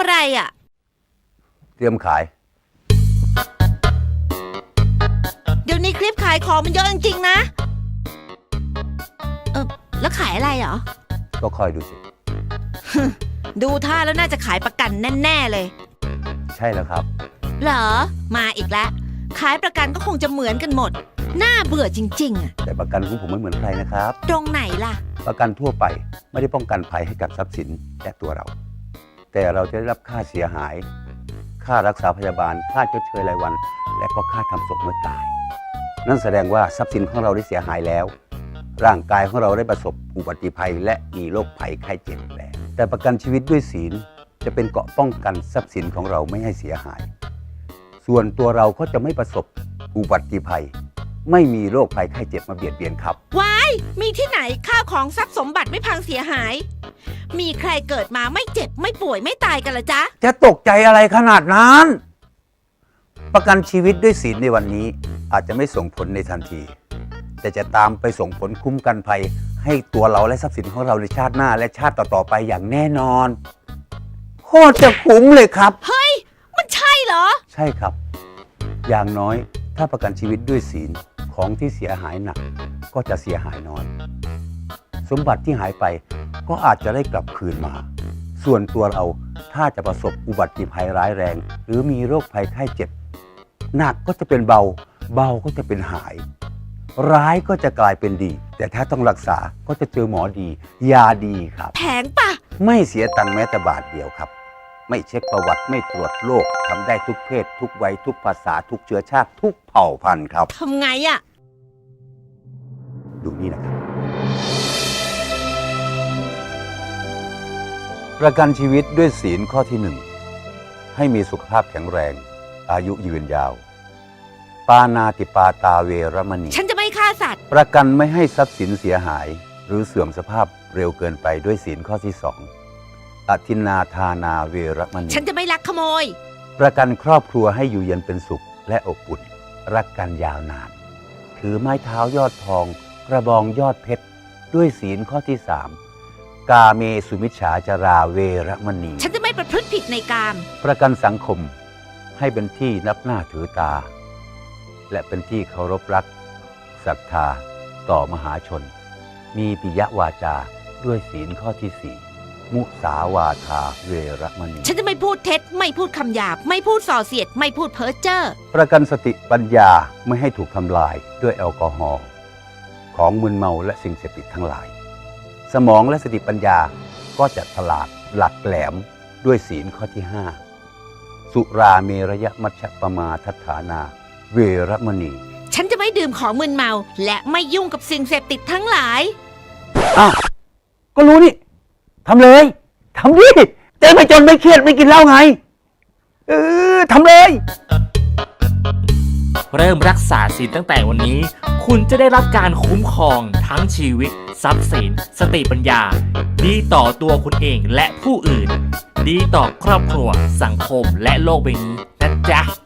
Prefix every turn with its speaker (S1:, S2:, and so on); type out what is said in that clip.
S1: อะไรอ่ะ
S2: เตรียมขาย
S1: เดี๋ยวนี้คลิปขายของมันเยอะจริงๆนะแล้วขายอะไรเหรอ
S2: ก็คอยดูสิ
S1: ดูท่าแล้วน่าจะขายประกันแน่ๆเลย
S2: ใช่แล้วครับ
S1: เหรอมาอีกแล้วขายประกันก็คงจะเหมือนกันหมดน่าเบื่อจริงๆอ่ะ
S2: แต่ประกันของผมไม่เหมือนใครนะครับ
S1: ตรงไหนล่ะ
S2: ประกันทั่วไปไม่ได้ป้องกันภัยให้กับทรัพย์สินและตัวเราแต่เราจะได้รับค่าเสียหายค่ารักษาพยาบาลค่าชดเชยรายวันและก็ค่าทำศพเมื่อตายนั่นแสดงว่าทรัพย์สินของเราได้เสียหายแล้วร่างกายของเราได้ประสบอุบัติภัยและมีโรคภัยไข้เจ็บแล้วแต่ประกันชีวิตด้วยศีลจะเป็นเกราะป้องกันทรัพย์สินของเราไม่ให้เสียหายส่วนตัวเราก็จะไม่ประสบอุบัติภัยไม่มีโรคภัยไข้เจ็บมาเบียดเบียนครับ
S1: ว้ายมีที่ไหนข้าวของทรัพย์สมบัติไม่พังเสียหายมีใครเกิดมาไม่เจ็บไม่ป่วยไม่ตายกันละจ๊ะ
S2: จะตกใจอะไรขนาดนั้นประกันชีวิตด้วยศีลในวันนี้อาจจะไม่ส่งผลในทันทีแต่จะตามไปส่งผลคุ้มกันภัยให้ตัวเราและทรัพย์สินของเราในชาติหน้าและชาติต่อๆไปอย่างแน่นอนโคตรจะคุ้มเลยครับ
S1: เฮ้ยมันใช่เหรอ
S2: ใช่ครับอย่างน้อยถ้าประกันชีวิตด้วยศีลของที่เสียหายหนักก็จะเสียหายน้อยสมบัติที่หายไปก็อาจจะได้กลับคืนมาส่วนตัวเราถ้าจะประสบอุบัติภัยร้ายแรงหรือมีโรคภัยไข้เจ็บหนักก็จะเป็นเบาเบาก็จะเป็นหายร้ายก็จะกลายเป็นดีแต่ถ้าต้องรักษาก็จะเจอหมอดียาดีครับ
S1: แพงปะ
S2: ไม่เสียตังค์แม้แต่บาทเดียวครับไม่เช็คประวัติไม่ตรวจโรคทำได้ทุกเพศทุกวัยทุกภาษาทุกเชื้อชาติทุกเผ่าพันธุ์ครับ
S1: ทำไงอะ
S2: ดูนี่นะครับประกันชีวิตด้วยศีลข้อที่1ให้มีสุขภาพแข็งแรงอายุยืนยาวปานาติปาตาเวรมณี
S1: ฉันจะไม่ฆ่าสัตว์
S2: ประกันไม่ให้ทรัพย์สินเสียหายหรือเสื่อมสภาพเร็วเกินไปด้วยศีลข้อที่2อทินนาทานาเวรมณี
S1: ฉันจะไม่ลักขโมย
S2: ประกันครอบครัวให้อยู่เย็นเป็นสุขและอบอุ่นรักกันยาวนานถือไม้เท้ายอดทองกระบองยอดเพชรด้วยศีลข้อที่3กาเมสุมิจฉาจาราเวรมณี
S1: ฉันจะไม่ประพฤติผิดในกาม
S2: ประกันสังคมให้เป็นที่นับหน้าถือตาและเป็นที่เคารพรักศรัทธาต่อมหาชนมีปิยวาจาด้วยศีลข้อที่4มุสาวาทาเวรมณี
S1: ฉันจะไม่พูดเท็จไม่พูดคำหยาบไม่พูดส่อเสียดไม่พูดเพ้อเจ้อ
S2: ประกันสติปัญญาไม่ให้ถูกทำลายด้วยแอลกอฮอล์ของมึนเมาและสิ่งเสพติดทั้งหลายสมองและสติปัญญาก็จะฉลาดหลักแหลมด้วยศีลข้อที่5สุราเมรยมัชฌปมาทัฏฐานาเวรมณี
S1: ฉันจะไม่ดื่มของมึนเมาและไม่ยุ่งกับสิ่งเสพติดทั้งหลาย
S2: อ้าวก็รู้นี่ทำเลยทำดิจะไม่จนไม่เครียดไม่กินเหล้าไงทำเลย
S3: เริ่มรักษาศีลตั้งแต่วันนี้คุณจะได้รับการคุ้มครองทั้งชีวิตทรัพย์สินสติปัญญาดีต่อตัวคุณเองและผู้อื่นดีต่อครอบครัวสังคมและโลกใบนี้นะจ๊ะ